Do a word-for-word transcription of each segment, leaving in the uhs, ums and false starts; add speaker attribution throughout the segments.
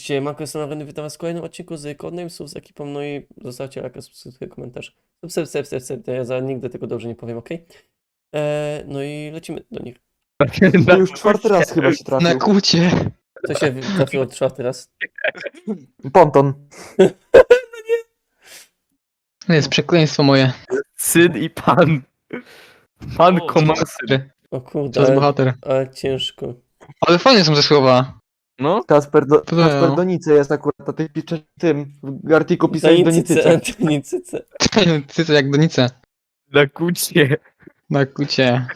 Speaker 1: Cześć, Marko, jestem Areny, witam was w kolejnym odcinku z Codenamesów z ekipą, no i zostawcie lajka, subskrypcję, komentarz. Sub, sub, sub, sub, sub, ja za nigdy tego dobrze nie powiem, ok? Eee, no i lecimy do nich.
Speaker 2: To już czwarty raz chyba się
Speaker 3: Na
Speaker 2: trafił.
Speaker 3: kucie.
Speaker 1: Co się trafiło czwarty raz?
Speaker 2: Ponton.
Speaker 3: To jest przekleństwo moje.
Speaker 4: Syn i pan. Pan
Speaker 3: O,
Speaker 4: komaser.
Speaker 1: O
Speaker 3: To
Speaker 1: kurde,
Speaker 3: jest
Speaker 1: ale,
Speaker 3: bohater.
Speaker 1: ale ciężko.
Speaker 3: Ale fajne są te słowa.
Speaker 4: No,
Speaker 2: Kasper, do,
Speaker 3: Podobają.
Speaker 2: Kasper Donice jest akurat, a ty piszesz tym, w artykuł pisałeś
Speaker 1: Donicyce,
Speaker 2: Donicyce.
Speaker 1: Donicyce.
Speaker 3: Ty to jak donice.
Speaker 4: na kucie.
Speaker 3: Na kucie.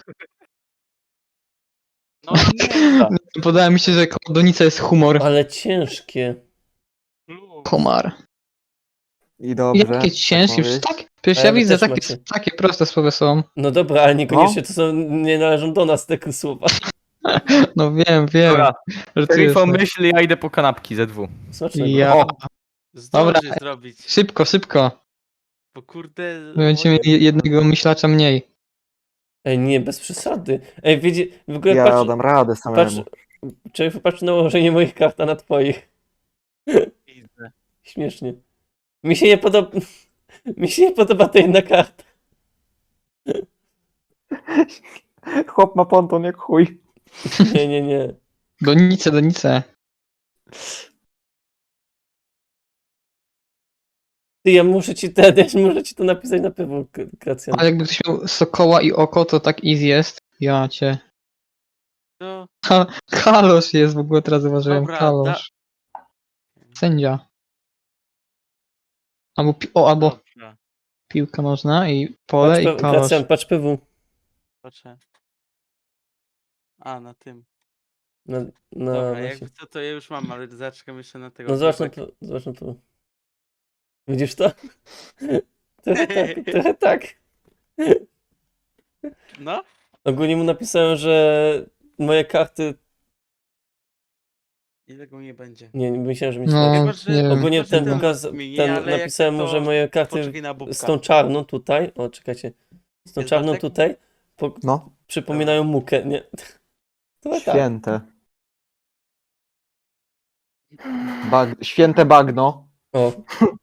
Speaker 4: No nie.
Speaker 3: Podoba mi się, że koło donica jest humor.
Speaker 1: Ale ciężkie.
Speaker 3: Komar.
Speaker 2: I dobrze.
Speaker 3: Jakie ciężkie,
Speaker 2: tak
Speaker 3: już
Speaker 2: powiedzieć.
Speaker 3: tak. Przecież
Speaker 1: Ale
Speaker 3: ja
Speaker 1: wy
Speaker 3: widzę,
Speaker 1: też
Speaker 3: takie,
Speaker 1: macie.
Speaker 3: takie proste słowa są.
Speaker 1: No dobra, ale niekoniecznie to są, nie należą do nas te słowa.
Speaker 3: No wiem, wiem.
Speaker 4: Dobra,
Speaker 3: Że ty
Speaker 4: Szerifo
Speaker 3: jesteś.
Speaker 4: myśli, ja idę po kanapki ze dwu.
Speaker 1: Smacznego.
Speaker 3: Ja.
Speaker 4: O,
Speaker 5: Zdąży
Speaker 3: Dobra.
Speaker 5: zrobić,
Speaker 3: Szybko, szybko.
Speaker 5: bo kurde...
Speaker 3: My będziemy mieli jednego myślacza mniej.
Speaker 1: Ej, nie, bez przesady. Ej, wiecie, w ogóle
Speaker 2: Ja
Speaker 1: patrz,
Speaker 2: dam radę
Speaker 1: patrz,
Speaker 2: samemu.
Speaker 1: czy patrz na ułożenie moich kart, a na twoich.
Speaker 5: Widzę.
Speaker 1: Śmiesznie. Mi się nie podoba. Mi się nie podoba ta jedna karta.
Speaker 2: Chłop ma ponton jak chuj.
Speaker 1: Nie, nie, nie.
Speaker 3: Donice, donice.
Speaker 1: Ty, ja muszę ci te, ja muszę ci to napisać na pewno, Kracjan.
Speaker 3: Ale jakby ktoś miał sokoła i oko, to tak easy jest. Ja cię.
Speaker 5: No,
Speaker 3: Ha, kalosz jest w ogóle, teraz zauważyłem.
Speaker 5: Dobra,
Speaker 3: Kalosz. Sędzia. Albo, pi- o, albo
Speaker 5: dobra,
Speaker 3: piłka nożna i pole
Speaker 1: Patrz,
Speaker 3: i
Speaker 1: P-
Speaker 3: kalosz.
Speaker 1: Kracjan, patrz P W.
Speaker 5: patrzę. A, na tym.
Speaker 1: Na, na
Speaker 5: Dobra,
Speaker 1: właśnie.
Speaker 5: jakby co to ja już mam, ale zaczekam jeszcze na tego.
Speaker 1: No zobacz na
Speaker 5: Pepek.
Speaker 1: to, zobacz na to. Widzisz to? Trochę tak, trochę tak.
Speaker 5: No?
Speaker 1: Ogólnie mu napisałem, że moje karty...
Speaker 5: I tego nie będzie.
Speaker 1: Nie, nie myślałem, że mi
Speaker 3: No,
Speaker 5: Chyba, że-
Speaker 3: nie wiem.
Speaker 1: Ogólnie
Speaker 5: Chyba, że
Speaker 1: ten,
Speaker 5: ten
Speaker 1: pokaz,
Speaker 5: zmieni,
Speaker 1: ten
Speaker 5: ale jak
Speaker 1: napisałem mu,
Speaker 5: to
Speaker 1: że moje karty
Speaker 5: Poczekaj na bubka.
Speaker 1: z tą czarną tutaj, o czekajcie, z tą
Speaker 5: Jest
Speaker 1: czarną
Speaker 5: Bartek?
Speaker 1: tutaj po,
Speaker 2: No,
Speaker 1: przypominają mukę, nie? To tak.
Speaker 2: święte. Bag... Święte bagno.
Speaker 1: O.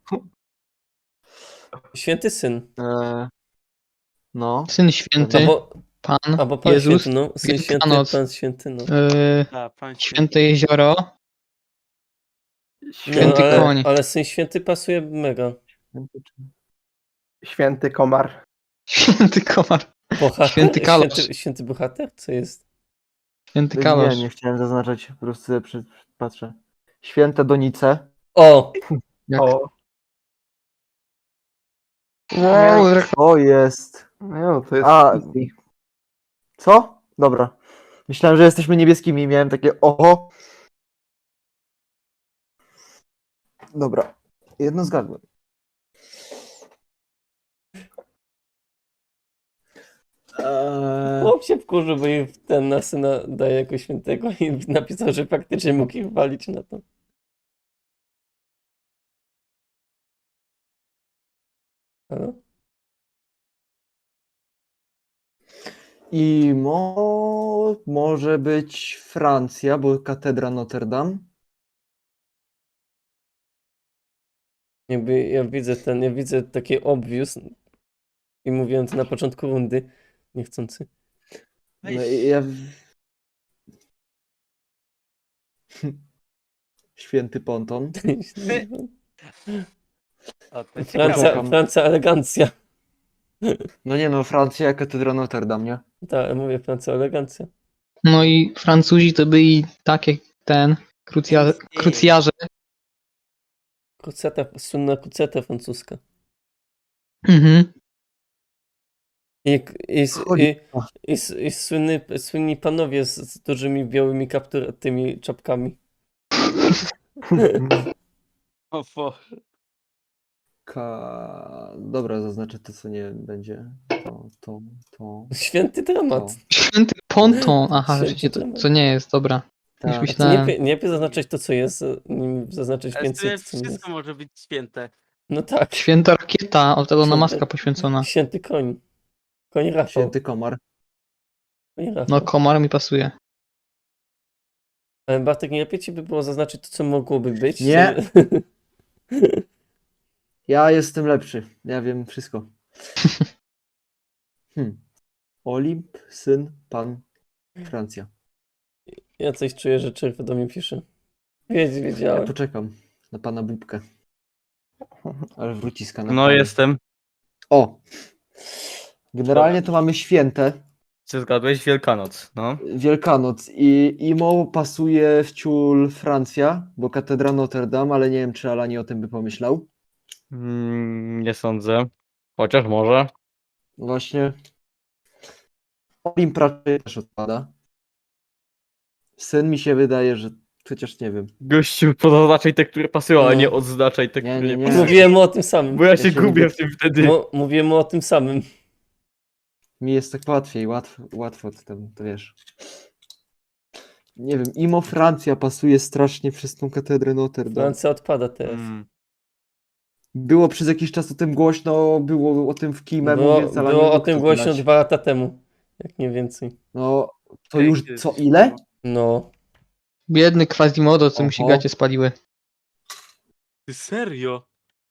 Speaker 1: Święty syn.
Speaker 2: E... No.
Speaker 3: Syn święty,
Speaker 1: Albo,
Speaker 3: Pan,
Speaker 1: albo pan
Speaker 3: Jezus,
Speaker 1: święty, no. Syn święty,
Speaker 3: Wielkanoc.
Speaker 1: pan święty, no.
Speaker 3: yy,
Speaker 5: A, pan się...
Speaker 3: święte jezioro,
Speaker 1: no
Speaker 3: święty
Speaker 1: ale,
Speaker 3: koń.
Speaker 1: ale syn święty pasuje mega.
Speaker 6: Święty komar.
Speaker 3: Święty komar,
Speaker 1: Bohater?
Speaker 3: Święty kalosz.
Speaker 1: Święty, święty bohater? Co jest?
Speaker 3: święty
Speaker 2: Nie,
Speaker 3: kalosz.
Speaker 2: nie chciałem zaznaczać, po prostu sobie przy... patrzę. Święte Donice.
Speaker 1: O!
Speaker 3: Jak-
Speaker 6: O,
Speaker 3: Wow, rek-
Speaker 2: O, jest.
Speaker 6: no to jest
Speaker 2: A.
Speaker 6: easy.
Speaker 2: Co? Dobra. Myślałem, że jesteśmy niebieskimi i miałem takie oho. Dobra. Jedno zgadłem. Eee,
Speaker 1: Chłop się wkurzył, bo jej ten na syna daje jako świętego i napisał, że faktycznie mógł ich walić na to. Halo?
Speaker 2: I mo... może być Francja, bo katedra Notre Dame.
Speaker 1: Jakby ja widzę ten, ja widzę taki obvious i mówiłem to na początku rundy, niechcący.
Speaker 2: No, i ja... Święty Ponton.
Speaker 5: O, to
Speaker 1: Francja,
Speaker 5: ciekawe.
Speaker 1: Francja elegancja.
Speaker 2: No nie no, Francja, katedra Notre Dame, nie?
Speaker 1: Tak, mówię Francja elegancja.
Speaker 3: No i Francuzi to byli tak jak ten, krucja, krucjarze.
Speaker 1: Kruceta, słynna kruceta francuska.
Speaker 3: Mhm.
Speaker 1: I, i, i,
Speaker 2: Chodzi-
Speaker 1: i, i, i słynny, słynni panowie z, z dużymi białymi kaptur, tymi czapkami.
Speaker 5: O, Boże.
Speaker 2: Ka... Dobra, zaznaczę to, co nie będzie. To, to, to.
Speaker 1: Święty dramat.
Speaker 2: to.
Speaker 3: Święty ponton. Aha,
Speaker 1: Święty
Speaker 3: rzeczywiście to,
Speaker 1: dramat.
Speaker 3: to nie jest, dobra.
Speaker 2: Tak.
Speaker 3: Już
Speaker 1: A to nie,
Speaker 3: myślałem.
Speaker 1: lepiej- nie lepiej zaznaczyć to, co jest, nim zaznaczyć
Speaker 5: Ale
Speaker 1: więcej,
Speaker 5: tutaj
Speaker 1: co nie jest.
Speaker 5: wszystko może być święte.
Speaker 1: No tak.
Speaker 3: Święta rakieta, od tego na
Speaker 1: Święty-
Speaker 3: maska poświęcona.
Speaker 1: Święty koń. Koń Rafał.
Speaker 2: Święty komar.
Speaker 1: Koń Rafał.
Speaker 3: No komar mi pasuje.
Speaker 1: Ale Bartek, nie lepiej ci by było zaznaczyć to, co mogłoby być?
Speaker 2: Nie.
Speaker 1: żeby-
Speaker 2: Ja jestem lepszy. Ja wiem wszystko. Hmm. Olimp, syn, pan, Francja.
Speaker 1: Ja coś czuję, że czerw do mnie pisze. Wiedz,
Speaker 2: Ja
Speaker 1: wiedziałem.
Speaker 2: poczekam na pana Bubkę. Ale wróci z kanapami.
Speaker 4: No jestem.
Speaker 2: O! Generalnie to mamy święte.
Speaker 4: Czy zgadłeś? Wielkanoc, no.
Speaker 2: Wielkanoc i Imo pasuje w ciul Francja, bo katedra Notre Dame, ale nie wiem, czy Alani o tym by pomyślał.
Speaker 4: Mm, nie sądzę. Chociaż może.
Speaker 2: Właśnie. Olimp raczej też odpada. Syn mi się wydaje, że chociaż nie wiem.
Speaker 4: Gościu, pozaznaczaj te, które pasują, ale
Speaker 1: No.
Speaker 4: nie odznaczaj te,
Speaker 2: Nie,
Speaker 4: które
Speaker 2: nie,
Speaker 4: nie,
Speaker 2: nie.
Speaker 4: pasują.
Speaker 1: Mówiłem mu o tym samym.
Speaker 4: Bo ja się
Speaker 2: się
Speaker 4: gubię
Speaker 2: lubię.
Speaker 4: w tym wtedy.
Speaker 1: Mo- mówiłem mu o tym samym.
Speaker 2: Mi jest tak łatwiej, łatwo, łatwo to, tam, to wiesz. Nie wiem, Imo Francja pasuje strasznie przez tą katedrę Notre Dame.
Speaker 1: Francja odpada teraz.
Speaker 4: Mm.
Speaker 2: Było przez jakiś czas o tym głośno, było o tym w Kimie,
Speaker 1: Było,
Speaker 2: więc ale
Speaker 1: było
Speaker 2: nie
Speaker 1: o
Speaker 2: mógł
Speaker 1: tym
Speaker 2: to
Speaker 1: głośno
Speaker 2: znać.
Speaker 1: dwa lata temu. Jak nie więcej.
Speaker 2: No, to
Speaker 5: Ej,
Speaker 2: już
Speaker 5: kiedy
Speaker 2: co,
Speaker 5: to
Speaker 2: ile?
Speaker 5: było?
Speaker 1: No.
Speaker 3: Biedny Quasimodo, co mu się
Speaker 2: Oho.
Speaker 3: gacie spaliły.
Speaker 5: Ty serio?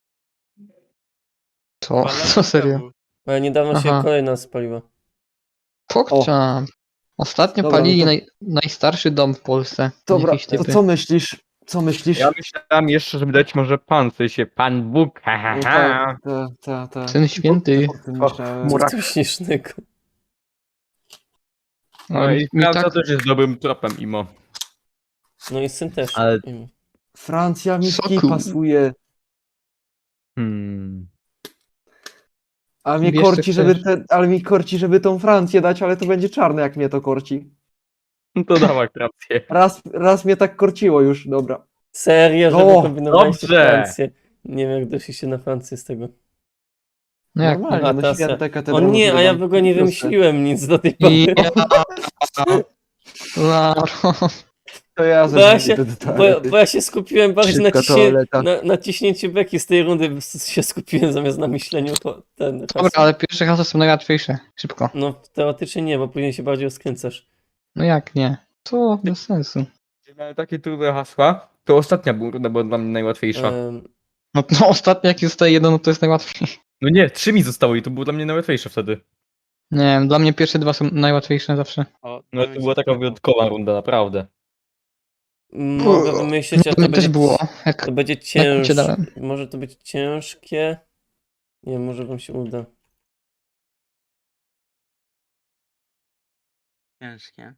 Speaker 3: Co?
Speaker 5: Dwa lata
Speaker 3: Co serio?
Speaker 5: temu.
Speaker 1: Ale niedawno się
Speaker 3: Aha.
Speaker 1: kolejna spaliła.
Speaker 3: Pokczam. Ostatnio
Speaker 2: Dobra,
Speaker 3: palili
Speaker 2: no to-
Speaker 3: naj, najstarszy dom w Polsce.
Speaker 2: Dobra,
Speaker 3: Jakieś
Speaker 2: to
Speaker 3: typy.
Speaker 2: co myślisz? Co myślisz?
Speaker 4: Ja myślałem jeszcze, żeby dać może pan, w sensie pan Bóg, ha, ha,
Speaker 2: No
Speaker 4: ha.
Speaker 2: tak, tak, tak, tak.
Speaker 3: Syn święty.
Speaker 2: O tym
Speaker 4: Och,
Speaker 2: myślałem.
Speaker 1: Co
Speaker 4: Murak.
Speaker 1: tu śmiesznego?
Speaker 4: No
Speaker 3: Ale
Speaker 4: i
Speaker 3: mi, mi
Speaker 4: Francja
Speaker 3: tak...
Speaker 4: też jest dobrym tropem, Imo.
Speaker 1: No i syn też.
Speaker 4: Ale-
Speaker 1: Mm.
Speaker 2: Francja mi w kij
Speaker 3: Soku.
Speaker 2: pasuje,
Speaker 4: Hmm.
Speaker 2: a mnie
Speaker 3: Wiesz, co
Speaker 2: korci, żeby
Speaker 3: chcesz.
Speaker 2: te, ale mi korci, żeby tą Francję dać, ale to będzie czarne, jak mnie to korci.
Speaker 4: No to dawaj rację.
Speaker 2: Raz, raz mnie tak korciło już, dobra.
Speaker 1: Serio, że
Speaker 2: O,
Speaker 1: wykombinowaliście
Speaker 4: dobrze.
Speaker 1: Francję. Nie wiem, jak doszliście na Francję z tego.
Speaker 3: No jak?
Speaker 2: Normalnie,
Speaker 1: A,
Speaker 2: no
Speaker 1: teraz
Speaker 2: święte
Speaker 1: ja-
Speaker 2: katedra
Speaker 1: O nie,
Speaker 2: Notre
Speaker 1: a ja
Speaker 2: Dame.
Speaker 1: w ogóle nie
Speaker 2: Proste.
Speaker 1: wymyśliłem nic do tej pory.
Speaker 3: Ja... Laro.
Speaker 2: To ja
Speaker 1: Bo ja,
Speaker 2: zadzwonię
Speaker 1: się,
Speaker 2: do
Speaker 1: bo,
Speaker 2: toalety.
Speaker 1: bo ja się skupiłem bardziej na,
Speaker 2: Szybka
Speaker 1: ciśnie,
Speaker 2: toaleta.
Speaker 1: na, na ciśnięciu beki z tej rundy, się skupiłem zamiast na myśleniu to ten
Speaker 3: Dobra,
Speaker 1: hasło.
Speaker 3: ale pierwsze hasła są najłatwiejsze. Szybko.
Speaker 1: No teoretycznie nie, bo później się bardziej rozkręcasz.
Speaker 3: No jak nie? To bez sensu.
Speaker 4: Mamy takie trudne hasła. To ostatnia była runda była dla mnie najłatwiejsza.
Speaker 1: Em,
Speaker 3: No, no ostatnio jak zostaje jedno, no to jest najłatwiej.
Speaker 4: No nie, trzy mi zostało i to było dla mnie najłatwiejsze wtedy.
Speaker 3: Nie wiem, dla mnie pierwsze dwa są najłatwiejsze zawsze.
Speaker 5: O,
Speaker 4: No
Speaker 5: to
Speaker 4: to
Speaker 5: mi
Speaker 4: była
Speaker 5: się
Speaker 4: taka
Speaker 5: podoba.
Speaker 4: wyjątkowa runda, naprawdę.
Speaker 1: mogę wymyślić,
Speaker 3: No,
Speaker 1: a
Speaker 3: to
Speaker 1: to
Speaker 3: mi też
Speaker 1: będzie,
Speaker 3: było. Jak...
Speaker 1: to będzie
Speaker 3: jak cię
Speaker 1: ciężkie.
Speaker 3: dałem.
Speaker 1: Może to być ciężkie. Nie, może wam się uda.
Speaker 5: Ciężkie.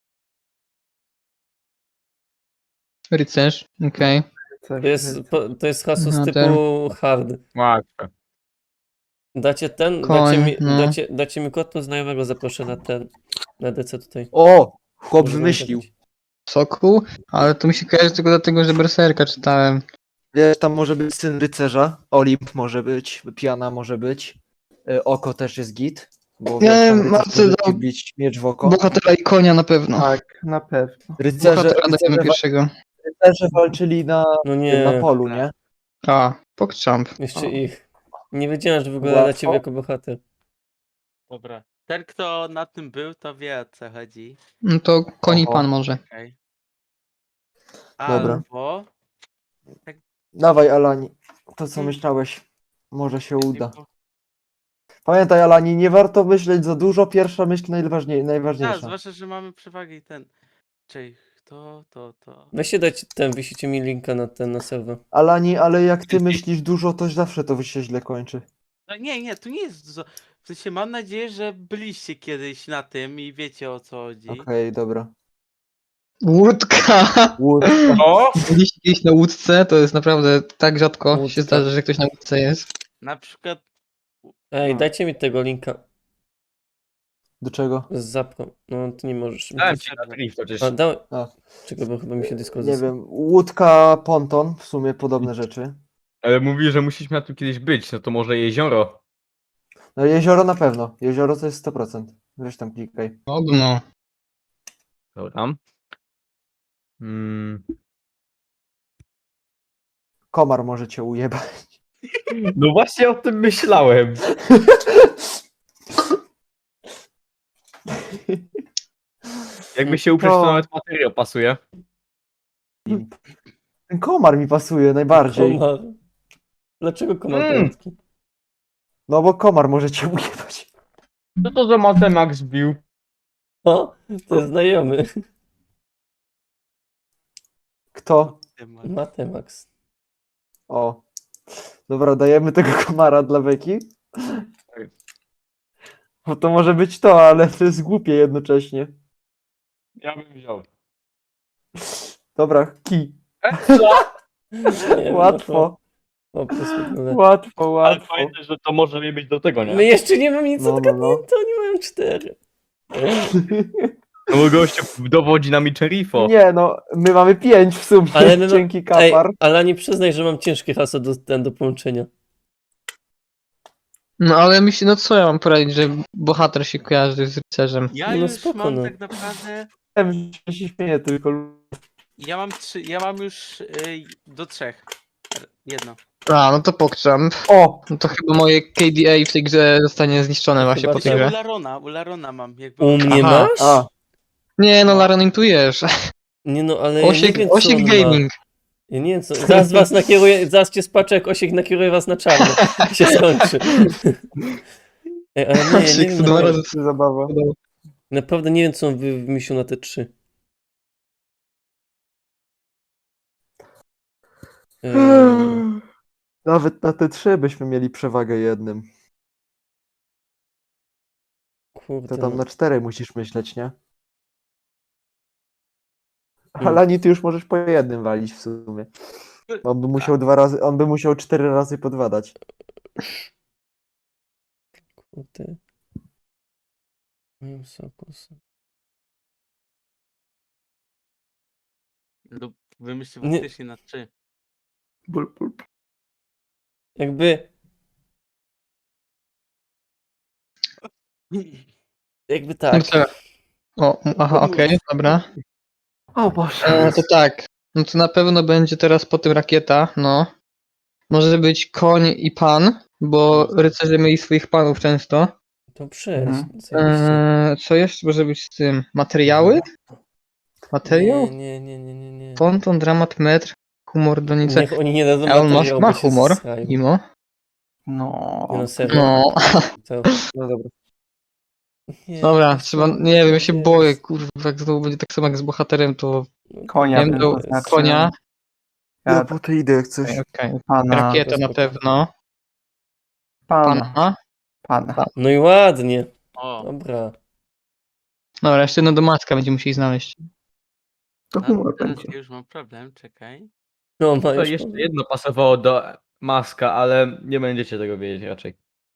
Speaker 3: Rycerz, okej.
Speaker 1: To jest, po- to jest hasło z
Speaker 3: No,
Speaker 1: typu hard.
Speaker 4: Łatwe.
Speaker 1: Dacie ten,
Speaker 3: Koń,
Speaker 1: dacie, mi,
Speaker 3: no.
Speaker 1: dacie, dacie mi kod, to znajomego zaproszę na ten, na D C tutaj.
Speaker 2: O! Chłop
Speaker 1: Może wam
Speaker 2: wymyślił.
Speaker 1: zagrać.
Speaker 3: Soku, ale to mi się kojarzy tylko dlatego, że Berserka czytałem.
Speaker 2: Wiesz, tam może być syn rycerza, Olimp może być, piana może być, e, oko też jest git, bo
Speaker 3: Nie,
Speaker 2: wiesz, tam rycerz
Speaker 3: Marcel
Speaker 2: może
Speaker 3: dał-
Speaker 2: ci bić miecz w oko.
Speaker 3: Bohatera i konia na pewno.
Speaker 2: Tak, na pewno. Rycerze,
Speaker 3: Bohatera dajemy
Speaker 2: rycerze,
Speaker 3: pierwszego.
Speaker 2: rycerze walczyli na,
Speaker 1: No nie,
Speaker 2: na polu, nie?
Speaker 3: A, Pogchamp.
Speaker 1: jeszcze
Speaker 2: O.
Speaker 1: ich. Nie wiedziałem, że w ogóle
Speaker 2: Łatwo.
Speaker 1: dacie mi jako bohater.
Speaker 5: Dobra. Ten, kto na tym był, to wie, o co chodzi.
Speaker 3: No to koń i
Speaker 2: Oho.
Speaker 3: pan może.
Speaker 5: Okej.
Speaker 2: Dobra.
Speaker 5: Albo...
Speaker 2: Dawaj, Alani, to co
Speaker 5: Hmm.
Speaker 2: myślałeś, może się uda.
Speaker 5: Typu-
Speaker 2: Pamiętaj, Alani, nie warto myśleć za dużo, pierwsza myśl najważniej,
Speaker 5: Tak,
Speaker 2: najważniejsza.
Speaker 5: zwłaszcza, że mamy przewagę i ten... Czyli to, to, to...
Speaker 1: Weźcie dać ten, wyślijcie mi linka na ten, na serwer.
Speaker 2: Alani, ale jak ty myślisz dużo, to zawsze to się źle kończy.
Speaker 5: No nie, nie, tu nie jest dużo. W sensie mam nadzieję, że byliście kiedyś na tym i wiecie, o co chodzi.
Speaker 2: Okej, dobra.
Speaker 3: Łódka!
Speaker 2: Łódź.
Speaker 4: O!
Speaker 3: Byliście kiedyś na łódce, to jest naprawdę tak rzadko
Speaker 1: Łódka.
Speaker 3: się zdarza, że ktoś na łódce jest.
Speaker 5: Na przykład...
Speaker 1: Ej,
Speaker 5: No.
Speaker 1: dajcie mi tego linka
Speaker 2: Do czego?
Speaker 1: z zapro. No, ty nie możesz.
Speaker 4: Dałem ci na drift przecież.
Speaker 1: A, dałem.
Speaker 2: A.
Speaker 1: Czekaj, bo chyba mi się Discord
Speaker 2: Nie
Speaker 1: zasłał.
Speaker 2: wiem, łódka, ponton, w sumie podobne rzeczy.
Speaker 4: Ale mówi, że musieliśmy na tym kiedyś być, no to może jezioro.
Speaker 2: No jezioro na pewno, jezioro to jest sto procent. Weź tam klikaj.
Speaker 3: Ogno.
Speaker 4: Dobra. Mm.
Speaker 2: Komar może cię ujebać.
Speaker 4: No właśnie o tym myślałem. Jakby się uprzeć, to
Speaker 2: To-
Speaker 4: nawet materiał pasuje.
Speaker 2: Ten komar mi pasuje najbardziej.
Speaker 1: Komar. Dlaczego komar
Speaker 4: Mm.
Speaker 1: tajemniczy?
Speaker 2: No bo komar może cię ujebać.
Speaker 4: Co to za Matemax bił?
Speaker 1: O, to jest znajomy.
Speaker 2: Kto?
Speaker 1: Matemax.
Speaker 2: O. Dobra, dajemy tego komara dla Beki. Bo to może być to, ale to jest głupie jednocześnie.
Speaker 4: Ja bym wziął.
Speaker 2: Dobra, kij.
Speaker 1: Nie,
Speaker 2: Łatwo,
Speaker 1: No, po prostu tyle.
Speaker 2: łatwo,
Speaker 4: Ale
Speaker 2: łatwo.
Speaker 4: pamiętaj, że to może nie być do tego,
Speaker 1: My
Speaker 4: nie?
Speaker 1: jeszcze nie mamy nic
Speaker 2: No, no,
Speaker 1: odgadnięte,
Speaker 2: no.
Speaker 1: oni mają cztery.
Speaker 4: No bo gościu dowodzi nami Cherifo.
Speaker 2: Nie no, my mamy pięć w sumie.
Speaker 1: Ale my ma-
Speaker 2: Dzięki
Speaker 1: Ej,
Speaker 2: kapar.
Speaker 1: ale nie przyznaj, że mam ciężkie hasło do, ten, do połączenia.
Speaker 3: No ale myślę, no co ja mam poradzić, że bohater się kojarzy z rycerzem.
Speaker 5: Ja
Speaker 1: No
Speaker 5: już
Speaker 1: spoko,
Speaker 5: mam
Speaker 1: no.
Speaker 5: tak naprawdę.
Speaker 2: Wiem, że się śmieję tylko.
Speaker 5: Ja mam trzy. Ja mam już y, do trzech. R- Jedno.
Speaker 3: A, no to pokczam.
Speaker 2: O!
Speaker 3: No to chyba moje K D A w tej grze zostanie zniszczone właśnie
Speaker 1: Chyba
Speaker 3: po tej
Speaker 1: tak.
Speaker 5: Ja u
Speaker 3: grze.
Speaker 5: Larona, u Larona mam. Jakby
Speaker 1: U mnie
Speaker 3: Aha,
Speaker 1: masz?
Speaker 2: A,
Speaker 3: Nie no, Laron, intujesz.
Speaker 1: Nie no, ale ja nie
Speaker 3: Osiek,
Speaker 1: wiem, co
Speaker 3: Osiek
Speaker 1: on
Speaker 3: Gaming.
Speaker 1: ma. Ja nie wiem, co... Zaraz was nakieruję, zaraz cię spaczę, jak Osiek nakieruje was na czarno. I się skończy. Ej, ale nie, ja nie
Speaker 3: Osiek
Speaker 1: wiem,
Speaker 3: to dwa
Speaker 1: naprawdę,
Speaker 3: razy
Speaker 2: zabawa.
Speaker 1: naprawdę nie wiem, co on wy- wymyślił na te trzy. Eee,
Speaker 2: Nawet na te trzy byśmy mieli przewagę jednym.
Speaker 1: kurde,
Speaker 2: To tam
Speaker 1: no.
Speaker 2: na cztery musisz myśleć, nie?
Speaker 1: Hmm.
Speaker 2: Ale ani ty już możesz po jednym walić w sumie. On by musiał dwa razy, on by musiał cztery razy po dwa dać.
Speaker 1: Kurde. Moim sokus.
Speaker 5: lub wymyślił
Speaker 1: Nie.
Speaker 5: faktycznie na trzy.
Speaker 2: Bul, bul.
Speaker 1: Jakby... Jakby
Speaker 3: No
Speaker 1: tak.
Speaker 3: co? O, aha, okej, dobra.
Speaker 2: O Boże.
Speaker 3: E, to tak. No to na pewno będzie teraz po tym rakieta, no. Może być koń i pan, bo rycerze mieli swoich panów często.
Speaker 1: Dobrze,
Speaker 2: Mhm.
Speaker 1: zajebiście.
Speaker 3: E, co jeszcze może być z tym? Materiały? Materiał?
Speaker 1: Nie, nie, nie, nie, nie, nie.
Speaker 3: Ponton, dramat, metr, humor, donice.
Speaker 1: Niech oni nie dadzą
Speaker 3: Elon Musk
Speaker 1: materiału,
Speaker 3: ma
Speaker 1: bo się
Speaker 3: humor,
Speaker 1: zesrają.
Speaker 3: imo.
Speaker 2: No.
Speaker 1: Nie no, serio.
Speaker 3: No,
Speaker 1: To...
Speaker 2: No dobra.
Speaker 1: Nie,
Speaker 3: dobra,
Speaker 1: to
Speaker 3: trzeba,
Speaker 1: są-
Speaker 3: nie wiem, ja się
Speaker 1: jest.
Speaker 3: boję, kurwa, jak znowu będzie tak samo jak z bohaterem, to
Speaker 6: Konia
Speaker 3: nie wiem,
Speaker 6: bym
Speaker 3: do
Speaker 6: zaznaczył.
Speaker 3: konia,
Speaker 2: Ja
Speaker 6: Ja
Speaker 2: po tej idę jak coś.
Speaker 3: okej, okej.
Speaker 6: pana,
Speaker 3: Rakieta na
Speaker 1: spoko.
Speaker 3: pewno,
Speaker 6: pana,
Speaker 3: pana.
Speaker 6: pana.
Speaker 1: No i ładnie.
Speaker 5: O,
Speaker 1: Dobra.
Speaker 3: Dobra, jeszcze jedno do Macka będziemy musieli znaleźć.
Speaker 6: To
Speaker 5: no,
Speaker 6: humor
Speaker 5: teraz
Speaker 6: będzie.
Speaker 5: ja już mam problem, czekaj.
Speaker 1: No, ma
Speaker 4: To
Speaker 1: już
Speaker 4: jeszcze jedno pasowało do Maska, ale nie będziecie tego wiedzieć raczej.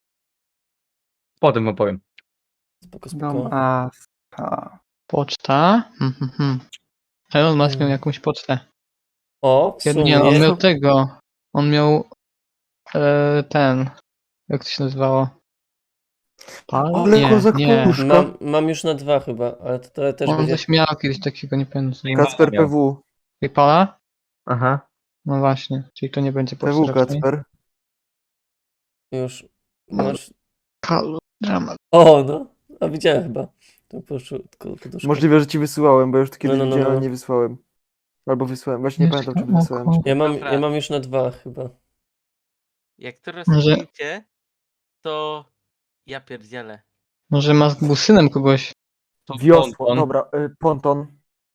Speaker 4: Potem opowiem.
Speaker 1: Spoko,
Speaker 6: Do
Speaker 1: spoko.
Speaker 6: maska.
Speaker 3: Poczta? Mhm, mhm. Elon Musk miał
Speaker 1: Mm.
Speaker 3: jakąś pocztę.
Speaker 1: O, w
Speaker 3: Nie, on
Speaker 1: sumie.
Speaker 3: miał tego. On miał e, ten. Jak to się nazywało? Pal?
Speaker 2: Ale
Speaker 3: Nie,
Speaker 2: kozak
Speaker 3: nie.
Speaker 2: puszka.
Speaker 1: Mam, mam już na dwa chyba, ale to, to też
Speaker 3: On
Speaker 1: będzie...
Speaker 3: coś miał kiedyś takiego, nie pamiętam. co.
Speaker 2: Kacper P W.
Speaker 3: Paypala?
Speaker 4: Aha.
Speaker 3: No właśnie, czyli to nie będzie
Speaker 2: P
Speaker 3: poczta
Speaker 2: W
Speaker 3: raczej.
Speaker 2: Kacper.
Speaker 1: Już masz...
Speaker 3: Halo, dramat.
Speaker 1: O, no. A widziałem chyba. To poszło tylko poduszka.
Speaker 2: Możliwe, że ci wysyłałem, bo już to kiedyś
Speaker 1: No, no, no,
Speaker 2: widziałem,
Speaker 1: no.
Speaker 2: ale nie wysłałem. Albo wysłałem, właśnie nie
Speaker 3: Jeszcze
Speaker 2: pamiętam, czy wysłałem.
Speaker 3: oko.
Speaker 2: Czy...
Speaker 1: Ja mam,
Speaker 5: Dobra.
Speaker 1: ja mam już na dwa chyba.
Speaker 5: Jak to
Speaker 3: Może-
Speaker 5: rozkminicie, to ja pierdzielę.
Speaker 3: Może Musk był synem kogoś.
Speaker 4: To
Speaker 2: Wiosło,
Speaker 4: ponton.
Speaker 2: dobra, y, ponton.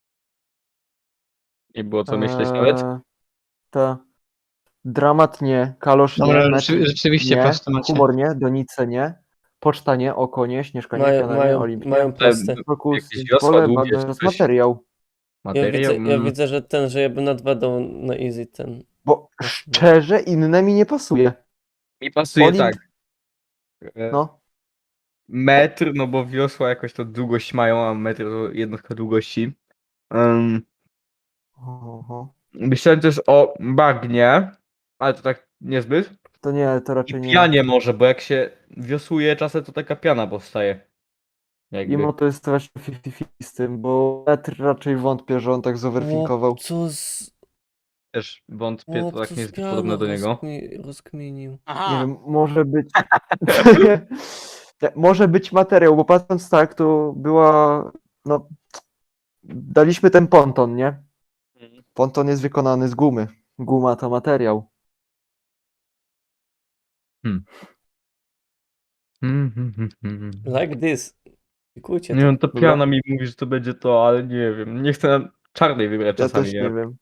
Speaker 4: Nie było co myśleć nawet.
Speaker 2: Eee, Ta. Dramat nie, kalosz nie,
Speaker 3: Dobra,
Speaker 2: metr
Speaker 3: rzeczy- rzeczywiście
Speaker 2: nie,
Speaker 3: prosto macie.
Speaker 2: humor nie, donice nie, poczta nie, oko nie, śnieżka nie,
Speaker 1: Mają,
Speaker 2: piana nie,
Speaker 1: mają,
Speaker 2: olimp nie,
Speaker 1: mają proste.
Speaker 2: fokus,
Speaker 4: jakieś wiosła
Speaker 2: pole,
Speaker 4: długie,
Speaker 2: bagaż,
Speaker 4: czy coś.
Speaker 2: materiał.
Speaker 1: Ja
Speaker 4: Materiał.
Speaker 1: widzę, ja
Speaker 4: mm,
Speaker 1: widzę, że ten, że ja bym na dwa dał na easy ten.
Speaker 2: Bo szczerze inne mi nie pasuje.
Speaker 4: Mi pasuje
Speaker 2: Olimp-
Speaker 4: tak. E,
Speaker 2: No,
Speaker 4: Metr, no bo wiosła jakoś to długość mają, a metr to jednostka długości. Um,
Speaker 2: Oho.
Speaker 4: myślałem też o bagnie, ale to tak niezbyt.
Speaker 2: To nie, to
Speaker 4: I
Speaker 2: raczej nie.
Speaker 4: pianie może, bo jak się wiosłuje czasem, to taka piana powstaje. Jakby.
Speaker 2: Imo to jest właśnie pięćdziesiąt pięćdziesiąt z tym, bo metr raczej wątpię, że on tak zoverfinkował.
Speaker 1: Co z...
Speaker 4: Też wątpię,
Speaker 1: O,
Speaker 4: to tak
Speaker 1: co
Speaker 4: niezbyt
Speaker 1: z
Speaker 4: podobne do
Speaker 1: pianą
Speaker 4: niego.
Speaker 1: rozkmi- rozkminił.
Speaker 5: Aha,
Speaker 2: Nie wiem, może być. Nie, może być materiał, bo patrząc tak, to była. No. Daliśmy ten ponton, nie? Ponton jest wykonany z gumy. Guma to materiał.
Speaker 4: Mm, mm, mm, mm.
Speaker 1: Like this. Klikujcie
Speaker 4: Nie
Speaker 1: to.
Speaker 4: wiem, to
Speaker 2: Dobra.
Speaker 4: piana mi mówi, że to będzie to, ale nie wiem. Nie chcę na czarnej wybrać
Speaker 2: Ja
Speaker 4: czasami,
Speaker 2: też
Speaker 4: nie
Speaker 2: nie
Speaker 4: wiem.
Speaker 2: wiem.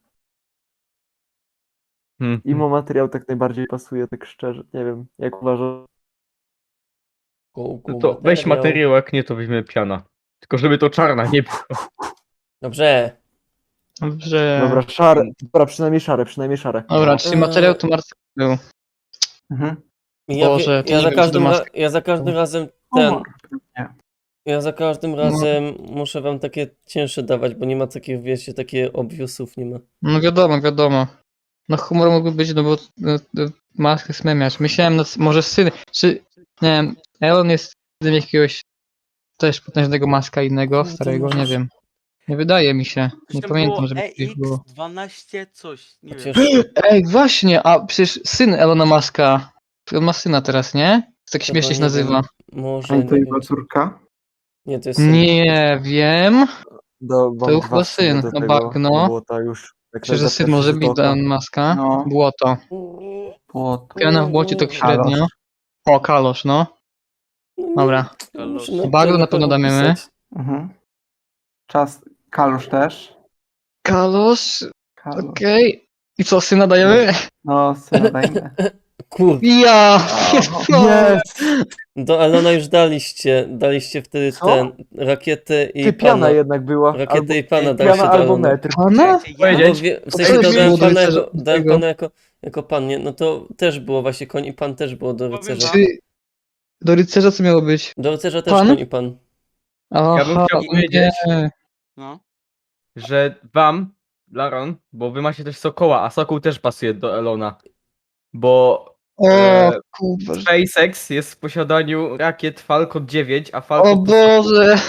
Speaker 4: Hmm.
Speaker 2: Imo materiał tak najbardziej pasuje, tak szczerze. Nie wiem, jak uważasz.
Speaker 1: Go, go,
Speaker 4: No to weź materiał, jak nie, to weźmiemy piana. Tylko żeby to czarna nie było.
Speaker 1: Dobrze.
Speaker 3: Dobrze.
Speaker 2: Dobra, szare. Dobra, przynajmniej szare, przynajmniej szare.
Speaker 3: Dobra, czyli
Speaker 1: Eee.
Speaker 3: materiał to Marcel był.
Speaker 6: Mhm.
Speaker 1: Ja,
Speaker 3: Boże,
Speaker 1: wie,
Speaker 3: to
Speaker 1: ja,
Speaker 3: nie
Speaker 1: za
Speaker 3: wiem, czy
Speaker 1: każdym
Speaker 3: to
Speaker 1: ra-
Speaker 3: maska.
Speaker 1: ja za każdym razem ten.
Speaker 6: Humor. Nie.
Speaker 1: Ja za każdym razem muszę wam takie cięższe dawać, bo nie ma takich, wiecie, takie obvious nie ma.
Speaker 3: No wiadomo, wiadomo. No humor mógłby być, no bo e, e, maskę smemiać. Myślałem, no, może syn, czy, nie wiem, Elon jest synem jakiegoś też potężnego maska innego,
Speaker 1: No to
Speaker 3: starego, nie
Speaker 1: możesz-
Speaker 3: wiem. Nie wydaje mi się. Nie
Speaker 5: Tam
Speaker 3: pamiętam,
Speaker 5: było
Speaker 3: żeby
Speaker 5: E
Speaker 3: coś było.
Speaker 5: X dwanaście coś, nie wiem.
Speaker 1: Chociaż
Speaker 3: Ej, właśnie, a przecież syn Elona Muska. On ma syna teraz, nie? Tak
Speaker 1: to
Speaker 3: śmiesznie się
Speaker 1: nie
Speaker 3: nazywa.
Speaker 1: wiem,
Speaker 6: A
Speaker 1: może,
Speaker 6: i to
Speaker 1: nie
Speaker 6: jego
Speaker 1: wiem.
Speaker 6: córka?
Speaker 1: Nie, to jest syn.
Speaker 3: Nie wiem.
Speaker 2: Do, mam
Speaker 3: To był
Speaker 2: dwa
Speaker 3: chyba
Speaker 2: w sumie
Speaker 3: syn,
Speaker 2: do
Speaker 3: no
Speaker 2: tego,
Speaker 3: bagno.
Speaker 2: do błota już. Jak
Speaker 3: Myślę, że
Speaker 2: za
Speaker 3: syn
Speaker 2: pierwszy
Speaker 3: może
Speaker 2: rzut
Speaker 3: być
Speaker 2: oka.
Speaker 3: Elon Muska.
Speaker 6: No.
Speaker 3: Błoto.
Speaker 6: Było to.
Speaker 3: Piana w błocie tak
Speaker 6: Kalosz.
Speaker 3: średnio. O, kalosz, no.
Speaker 1: No nie,
Speaker 3: Dobra.
Speaker 1: muszę
Speaker 5: To
Speaker 1: na
Speaker 3: bagno
Speaker 1: to
Speaker 3: na pewno damy.
Speaker 1: opisać.
Speaker 6: Mhm. Czas. Kalusz też.
Speaker 3: Kalosz,
Speaker 6: Kalusz.
Speaker 3: okej. I co, syna dajemy?
Speaker 6: No, syna dajmy.
Speaker 1: Kurde,
Speaker 3: Ja! No.
Speaker 2: Jest!
Speaker 1: do Elona już daliście, daliście wtedy
Speaker 2: Co?
Speaker 1: ten, rakietę i
Speaker 2: Ty, piana
Speaker 1: pana.
Speaker 2: jednak była.
Speaker 1: Rakietę
Speaker 2: Albo,
Speaker 1: i pana
Speaker 5: Ej,
Speaker 1: daliście
Speaker 2: piana
Speaker 1: do
Speaker 2: albo
Speaker 1: Elona.
Speaker 2: metr.
Speaker 3: Pana?
Speaker 5: Ja,
Speaker 1: No,
Speaker 4: Powiedzieć?
Speaker 1: bo wie, w
Speaker 3: To
Speaker 1: sensie
Speaker 3: też
Speaker 1: dodałem
Speaker 3: było do
Speaker 1: pana,
Speaker 3: rycerza
Speaker 1: jako, dałem
Speaker 3: tego.
Speaker 1: pana jako, jako pan, nie? No to też było właśnie koń i pan też było do
Speaker 5: Powiem
Speaker 1: rycerza.
Speaker 5: wam-
Speaker 3: Czy do rycerza co miało być?
Speaker 1: Do rycerza też
Speaker 3: Pan?
Speaker 1: koń i pan.
Speaker 3: Aha,
Speaker 4: bym chciał powiedzieć-
Speaker 3: nie.
Speaker 5: no.
Speaker 4: Że wam, Laron, bo wy macie też Sokoła, a Sokół też pasuje do Elona. Bo
Speaker 3: O,
Speaker 4: e,
Speaker 3: kurwa.
Speaker 4: SpaceX jest w posiadaniu rakiet Falcon dziewięć, a
Speaker 3: O
Speaker 4: Falcon to
Speaker 3: Boże,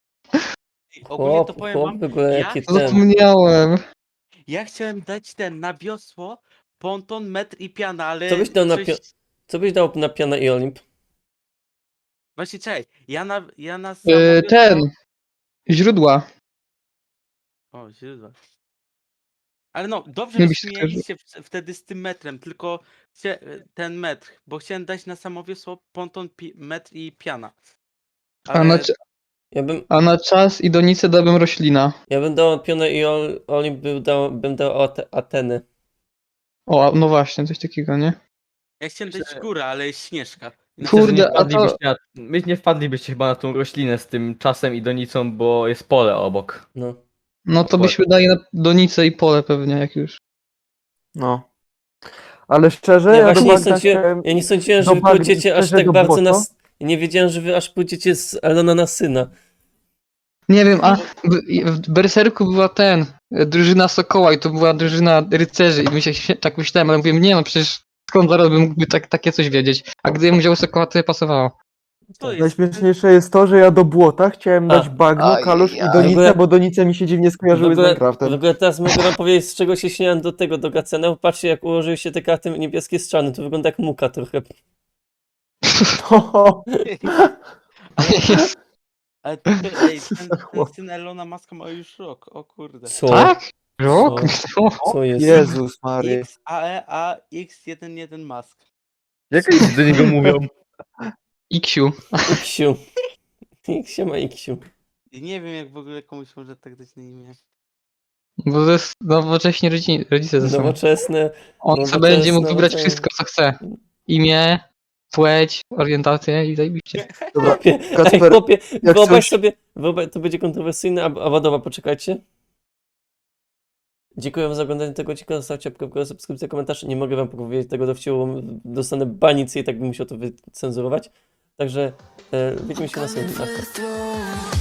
Speaker 5: I ogólnie to
Speaker 1: Chłop,
Speaker 5: powiem
Speaker 1: chłop
Speaker 5: wam,
Speaker 1: w ogóle
Speaker 5: ja
Speaker 1: jaki
Speaker 5: chcę-
Speaker 1: ten.
Speaker 3: zapomniałem.
Speaker 5: ja chciałem dać ten na wiosło, ponton, metr i piana, ale
Speaker 1: Co byś dał na
Speaker 5: coś...
Speaker 1: pio- Co byś dał na piana i Olimp?
Speaker 5: Właśnie czekaj, ja na, ja na samo
Speaker 3: Y,
Speaker 5: wiosło...
Speaker 3: ten, źródła.
Speaker 5: O, źródła. Ale no, dobrze,
Speaker 3: Nie
Speaker 5: że
Speaker 3: byś skojarzył.
Speaker 5: śmieliście w- wtedy z tym metrem, tylko chcia- ten metr, bo chciałem dać na samo wiosło, ponton, pi- metr i piana.
Speaker 3: A na, cz-
Speaker 1: Ja bym,
Speaker 3: a na czas i donicę dałbym roślina.
Speaker 1: ja bym dał pianę i Ol- Olimp bym dał, bym dał Ate- Ateny.
Speaker 3: O, no właśnie, coś takiego, nie?
Speaker 5: Ja chciałem dać górę, ale jest Śnieżka. I na
Speaker 3: Kurde,
Speaker 4: Myślę, że nie
Speaker 3: a to-
Speaker 4: wpadlibyście na, my nie wpadlibyście chyba na tą roślinę z tym czasem i donicą, bo jest pole obok.
Speaker 1: No.
Speaker 3: No to byśmy dali na donicę i pole pewnie, jak już.
Speaker 2: No. Ale szczerze,
Speaker 1: Ja
Speaker 2: ja, do
Speaker 1: właśnie nie
Speaker 2: bagna
Speaker 1: sądziłem,
Speaker 2: chciałem...
Speaker 1: ja nie sądziłem,
Speaker 2: do
Speaker 1: że wy
Speaker 2: bagna
Speaker 1: pójdziecie aż
Speaker 2: szczerze
Speaker 1: tak
Speaker 2: do
Speaker 1: bardzo na...
Speaker 2: błoto.
Speaker 1: s- Nie wiedziałem, że wy aż pójdziecie z Elona na syna.
Speaker 3: Nie wiem, a w, w Berserku była ten, e, drużyna Sokoła i to była drużyna rycerzy i my się śmie- tak myślałem, ale mówię, nie no przecież skąd zaraz bym mógłby tak, takie coś wiedzieć. A gdybym wziął Sokoła, to by pasowało.
Speaker 5: To jest...
Speaker 2: Najśmieszniejsze jest to, że ja do błota chciałem
Speaker 1: A.
Speaker 2: dać bagno,
Speaker 3: Aj,
Speaker 2: kalusz i
Speaker 3: aj.
Speaker 1: W
Speaker 2: donicę,
Speaker 1: ogóle-
Speaker 2: bo donice mi się dziwnie
Speaker 1: W
Speaker 2: skojarzyły z
Speaker 1: ogóle, w
Speaker 2: Minecraftem.
Speaker 1: ogóle teraz mogę wam powiedzieć, z czego się śmiałem do tego, do Gacena. Patrzcie, jak ułożyły się te karty niebieskie z czarnym, to wygląda jak muka trochę.
Speaker 5: Ale to, ej, ten, ten
Speaker 2: chłop.
Speaker 5: syn Elona Muska ma już rok, o kurde.
Speaker 1: Co?
Speaker 3: Tak? Rok? O,
Speaker 1: Co jest?
Speaker 2: Jezus Maria.
Speaker 5: X A E A X jeden jeden Musk.
Speaker 4: Jak oni do niego mówią?
Speaker 3: Iksiu.
Speaker 1: Iksiu. Iksiu ma Iksiu.
Speaker 5: I nie wiem, jak w ogóle komuś może tak dać na imię.
Speaker 3: Bo to jest nowocześni rodzice, rodzice ze sobą.
Speaker 1: Nowoczesne.
Speaker 3: On
Speaker 1: nowoczesne,
Speaker 3: sobie będzie mógł wybrać
Speaker 1: nowoczesne.
Speaker 3: wszystko, co chce. Imię, płeć, orientację i zajebiście.
Speaker 2: Dobra,
Speaker 1: Chłopie, ej,
Speaker 2: Kacper,
Speaker 1: chłopie,
Speaker 2: jak
Speaker 1: wyobraź
Speaker 2: coś-
Speaker 1: sobie, wyobraź, to będzie kontrowersyjne, a, a Wadowa, poczekajcie. Dziękuję wam za oglądanie tego odcinka, zostawcie łapkę w górę, subskrypcję, komentarz. Nie mogę wam powiedzieć tego dowcipu, bo dostanę banicję i tak bym musiał to wycenzurować. Także e, widzimy się na następnym.
Speaker 7: Coming for the throne.